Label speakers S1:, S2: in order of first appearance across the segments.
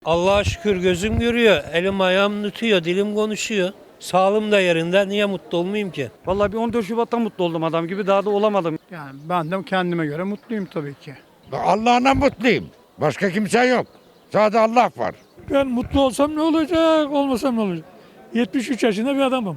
S1: Allah'a şükür gözüm görüyor, elim ayağım tutuyor, dilim konuşuyor. Sağlığım da yerinde, niye mutlu olmayayım ki?
S2: Vallahi bir 14 Şubat'ta mutlu oldum adam gibi, daha da olamadım.
S3: Yani ben de kendime göre mutluyum tabii ki.
S4: Allah'ına mutluyum. Başka kimse yok. Sadece Allah var.
S5: Ben mutlu olsam ne olacak, olmasam ne olacak? 73 yaşında bir adamım.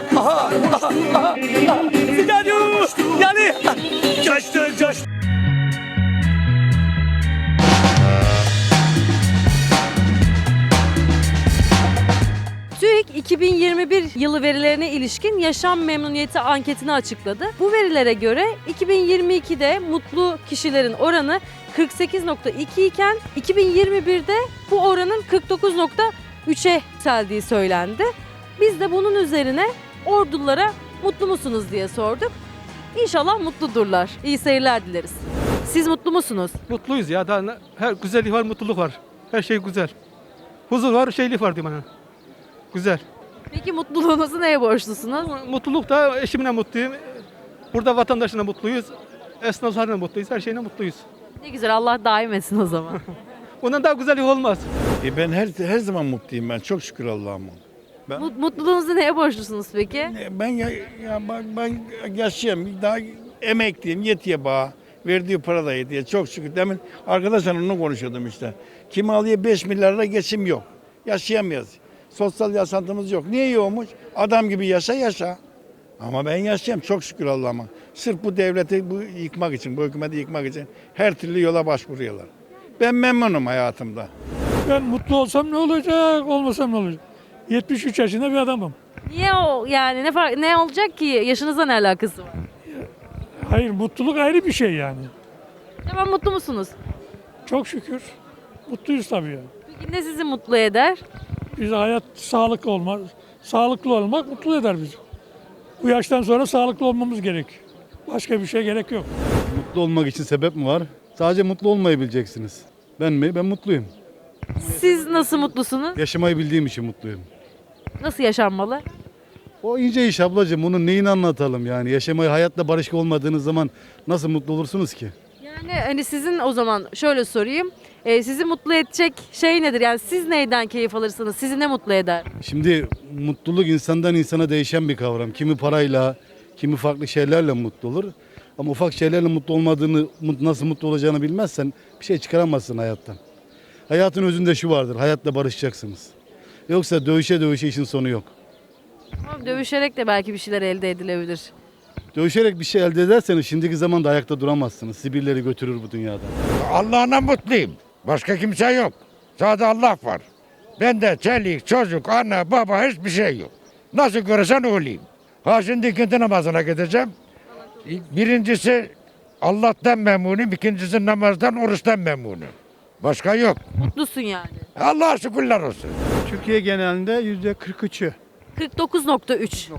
S6: TÜİK 2021 yılı verilerine ilişkin yaşam memnuniyeti anketini açıkladı. Bu verilere göre 2022'de mutlu kişilerin oranı 48,2 iken 2021'de bu oranın 49,3'e yükseldiği söylendi. Biz de bunun üzerine ordulara mutlu musunuz diye sorduk. İnşallah mutludurlar. İyi seyirler dileriz. Siz mutlu musunuz?
S2: Mutluyuz ya, daha her güzellik var, mutluluk var. Her şey güzel. Huzur var, şeylik var diyeyim bana. Güzel.
S6: Peki mutluluğunuzu neye borçlusunuz?
S2: Mutluluk da eşimle mutluyum. Burada vatandaşına mutluyuz. Esnaflarla mutluyuz. Her şeyle mutluyuz.
S6: Ne güzel, Allah daim etsin o zaman.
S2: Bundan daha güzellik olmaz.
S7: Ben her zaman mutluyum ben. Çok şükür Allah'ıma.
S6: Mutluluğunuzu neye borçlusunuz peki?
S7: Ben yaşayayım. Daha emekliyim. Yetiyor bana. Verdiği para da yetiyor. Çok şükür. Demin arkadaşlarla onu konuşuyordum işte. Kim alıyor 5 milyarla geçim yok. Yaşayamıyoruz. Sosyal yaşantımız yok. Niye yokmuş? Adam gibi yaşa. Ama ben yaşayayım çok şükür Allah'ıma. Sırf bu devleti yıkmak için, bu hükümeti yıkmak için her türlü yola başvuruyorlar. Ben memnunum hayatımda.
S5: Ben mutlu olsam ne olacak, olmasam ne olacak? 73 yaşında bir adamım.
S6: Niye o yani ne olacak ki? Yaşınızla ne alakası var?
S5: Hayır, mutluluk ayrı bir şey yani.
S6: Tamam, mutlu musunuz?
S5: Çok şükür. Mutluyuz tabii ya.
S6: Peki ne sizi mutlu eder?
S5: Bize hayat sağlıklı olmak mutlu eder bizi. Bu yaştan sonra sağlıklı olmamız gerek. Başka bir şey gerek yok.
S8: Mutlu olmak için sebep mi var? Sadece mutlu olmayı bileceksiniz. Ben mi? Ben mutluyum.
S6: Siz nasıl mutlusunuz?
S8: Yaşamayı bildiğim için mutluyum.
S6: Nasıl yaşanmalı?
S8: O ince iş ablacığım. Bunun neyini anlatalım yani? Yaşamayı, hayatla barışık olmadığınız zaman nasıl mutlu olursunuz ki?
S6: Yani hani sizin o zaman şöyle sorayım. Sizi mutlu edecek şey nedir? Yani siz neyden keyif alırsınız? Sizi ne mutlu eder?
S8: Şimdi mutluluk insandan insana değişen bir kavram. Kimi parayla, kimi farklı şeylerle mutlu olur. Ama ufak şeylerle mutlu olmadığını, nasıl mutlu olacağını bilmezsen bir şey çıkaramazsın hayattan. Hayatın özünde şu vardır. Hayatla barışacaksınız. Yoksa dövüşe işin sonu yok.
S6: Tamam, dövüşerek de belki bir şeyler elde edilebilir.
S8: Dövüşerek bir şey elde ederseniz şimdiki zamanda ayakta duramazsınız. Sibirleri götürür bu dünyada.
S4: Allah'ına mutluyum. Başka kimse yok. Sadece Allah var. Bende çelik, çocuk, anne, baba hiçbir şey yok. Nasıl görürsen olayım. Ha şimdi ikinci namazına gideceğim. Birincisi Allah'tan memnunum. İkincisi namazdan, oruçtan memnunum. Başka yok.
S6: Mutlusun yani.
S4: Allah'a şükürler olsun.
S3: Türkiye genelinde %43'ü
S6: 49,3.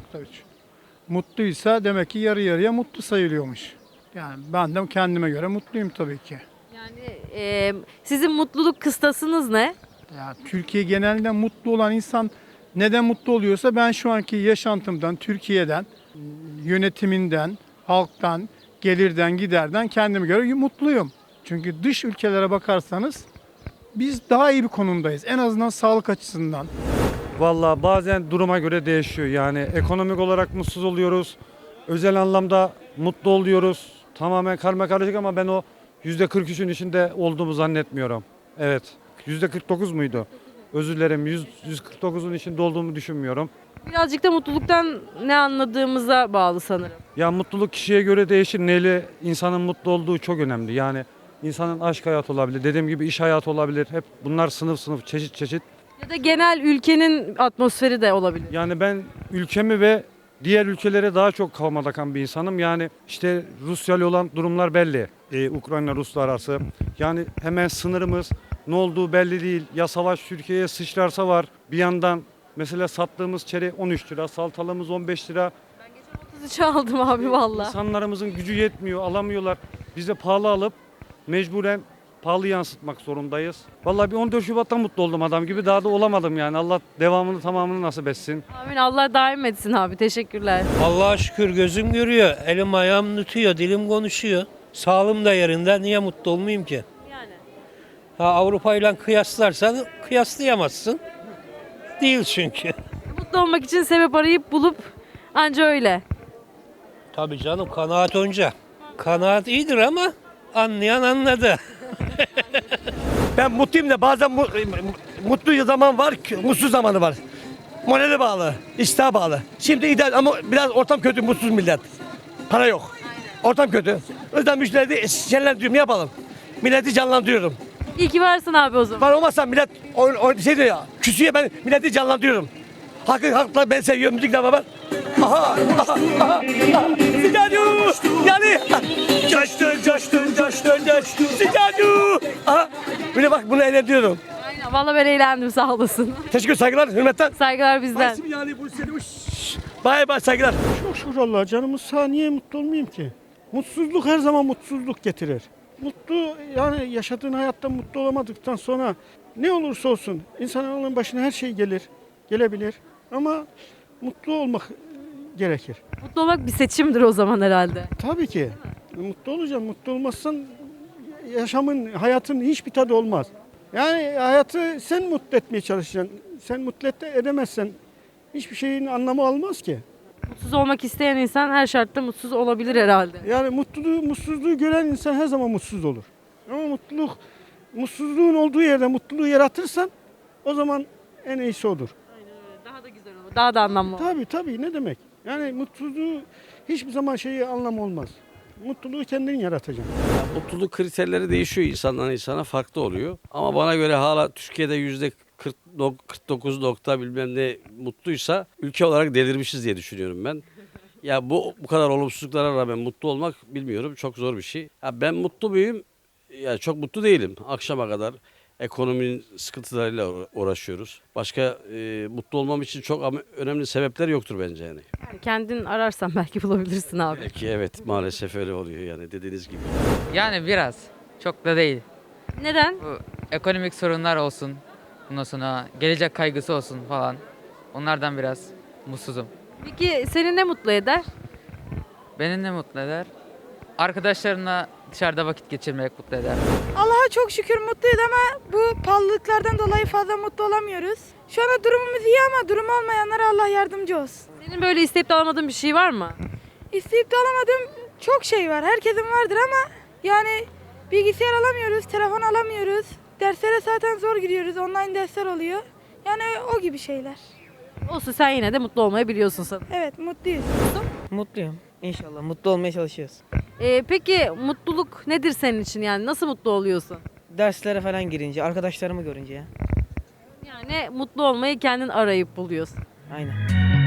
S3: mutluysa demek ki yarı yarıya mutlu sayılıyormuş. Yani ben de kendime göre mutluyum tabii ki.
S6: Yani sizin mutluluk kıstasınız ne?
S3: Yani Türkiye genelinde mutlu olan insan neden mutlu oluyorsa ben şu anki yaşantımdan, Türkiye'den, yönetiminden, halktan, gelirden, giderden kendime göre mutluyum. Çünkü dış ülkelere bakarsanız biz daha iyi bir konumdayız. En azından sağlık açısından.
S2: Vallahi bazen duruma göre değişiyor. Yani ekonomik olarak mutsuz oluyoruz. Özel anlamda mutlu oluyoruz. Tamamen karmakarışık ama ben o %43'ün içinde olduğumu zannetmiyorum. Evet. %49 muydu? Özür dilerim. 149'un içinde olduğumu düşünmüyorum.
S6: Birazcık da mutluluktan ne anladığımıza bağlı sanırım.
S2: Ya mutluluk kişiye göre değişir. Neyle insanın mutlu olduğu çok önemli. Yani insanın aşk hayatı olabilir. Dediğim gibi iş hayatı olabilir. Hep bunlar sınıf çeşit.
S6: Ya da genel ülkenin atmosferi de olabilir.
S2: Yani ben ülkemi ve diğer ülkelere daha çok kafama takan bir insanım. Yani işte Rusya ile olan durumlar belli. Ukrayna-Rusya arası. Yani hemen sınırımız ne olduğu belli değil. Ya savaş Türkiye'ye sıçrarsa var. Bir yandan mesela sattığımız çeri 13 lira, saltalığımız 15 lira.
S6: 33 aldım abi valla.
S2: İnsanlarımızın gücü yetmiyor, alamıyorlar. Biz de pahalı alıp mecburen pahalı yansıtmak zorundayız. Vallahi bir 14 Şubat'ta mutlu oldum adam gibi, daha da olamadım yani. Allah devamını tamamını nasip etsin.
S6: Amin, Allah daim etsin abi, teşekkürler.
S1: Allah'a şükür gözüm görüyor, elim ayağım tutuyor, dilim konuşuyor. Sağlığım da yerinde, niye mutlu olmayayım ki?
S6: Yani
S1: Avrupa ile kıyaslarsan kıyaslayamazsın. Değil çünkü.
S6: Mutlu olmak için sebep arayıp bulup anca öyle.
S1: Tabii canım, kanaat önce. Kanaat iyidir ama anlayan anladı.
S9: Ben mutluyum da bazen mutlu zaman var, mutsuz zamanı var. Morale bağlı, iştaha bağlı. Şimdi ideal ama biraz ortam kötü, mutsuz millet. Para yok. Ortam kötü. O yüzden müşterileri şenlendiriyorum, ne yapalım? Milleti canlandırıyorum.
S6: İyi ki varsın abi o zaman.
S9: Var olmazsa millet şey diyor ya, küsüyor, ben milleti canlandırıyorum. Hakla ben seviyorum müzikle beraber. Aha. Sıcacık. Yani. Coştun. Sıcacık. Aha. Böyle bak bunu eğlendiriyorum.
S6: Aynen, vallahi ben eğlendim, sağ olasın.
S9: Teşekkür, saygılar, hürmetten.
S6: Saygılar bizden.
S9: Yani bu seni Bay saygılar.
S10: Çok şükür Allah'a, canımız sağ, niye mutlu olmayayım ki? Mutsuzluk her zaman mutsuzluk getirir. Mutlu, yani yaşadığın hayatta mutlu olamadıktan sonra ne olursa olsun insanın başına her şey gelebilir ama mutlu olmak gerekir.
S6: Mutlu olmak bir seçimdir o zaman herhalde.
S10: Tabii ki. Mutlu olacaksın. Mutlu olmazsan hayatın hiçbir tadı olmaz. Yani hayatı sen mutlu etmeye çalışacaksın. Sen mutlu edemezsen hiçbir şeyin anlamı olmaz ki.
S6: Mutsuz olmak isteyen insan her şartta mutsuz olabilir herhalde.
S10: Yani mutsuzluğu gören insan her zaman mutsuz olur. Ama mutsuzluğun olduğu yerde mutluluğu yaratırsan o zaman en iyisi odur.
S6: Daha da güzel olur. Daha da anlamlı olur.
S10: Tabii, ne demek? Yani mutsuzluğu hiçbir zaman anlamı olmaz. Mutluluğu kendin yaratacaksın.
S11: Mutluluk kriterleri değişiyor insandan insana, farklı oluyor. Ama bana göre hala Türkiye'de %49 nokta bilmem ne mutluysa ülke olarak delirmişiz diye düşünüyorum ben. Ya bu kadar olumsuzluklara rağmen mutlu olmak bilmiyorum, çok zor bir şey. Ya ben mutlu muyum? Ya çok mutlu değilim. Akşama kadar ekonominin sıkıntılarıyla uğraşıyoruz. Başka mutlu olmam için çok önemli sebepler yoktur bence yani.
S6: Yani kendin ararsan belki bulabilirsin abi.
S11: Belki evet, maalesef öyle oluyor yani dediğiniz gibi.
S12: Yani biraz. Çok da değil.
S6: Neden?
S12: Bu ekonomik sorunlar olsun. Bundan sonra gelecek kaygısı olsun falan. Onlardan biraz mutsuzum.
S6: Peki seni ne mutlu eder?
S12: Beni ne mutlu eder? Arkadaşlarımla dışarıda vakit geçirmek mutlu eder.
S13: Allah'a çok şükür mutluyuz ama bu pahalılıklardan dolayı fazla mutlu olamıyoruz. Şu anda durumumuz iyi ama durumu olmayanlara Allah yardımcı olsun.
S6: Senin böyle isteyip de alamadığın bir şey var mı?
S13: İsteyip de alamadığım çok şey var. Herkesin vardır ama yani bilgisayar alamıyoruz, telefon alamıyoruz. Derslere zaten zor gidiyoruz. Online dersler oluyor. Yani o gibi şeyler.
S6: Olsun, sen yine de mutlu olmayı biliyorsun sanırım.
S13: Evet, mutluyuz.
S14: Mutluyum. İnşallah mutlu olmaya çalışıyoruz.
S6: Peki mutluluk nedir senin için, yani nasıl mutlu oluyorsun?
S14: Derslere falan girince, arkadaşlarımı görünce ya.
S6: Yani mutlu olmayı kendin arayıp buluyorsun.
S14: Aynen.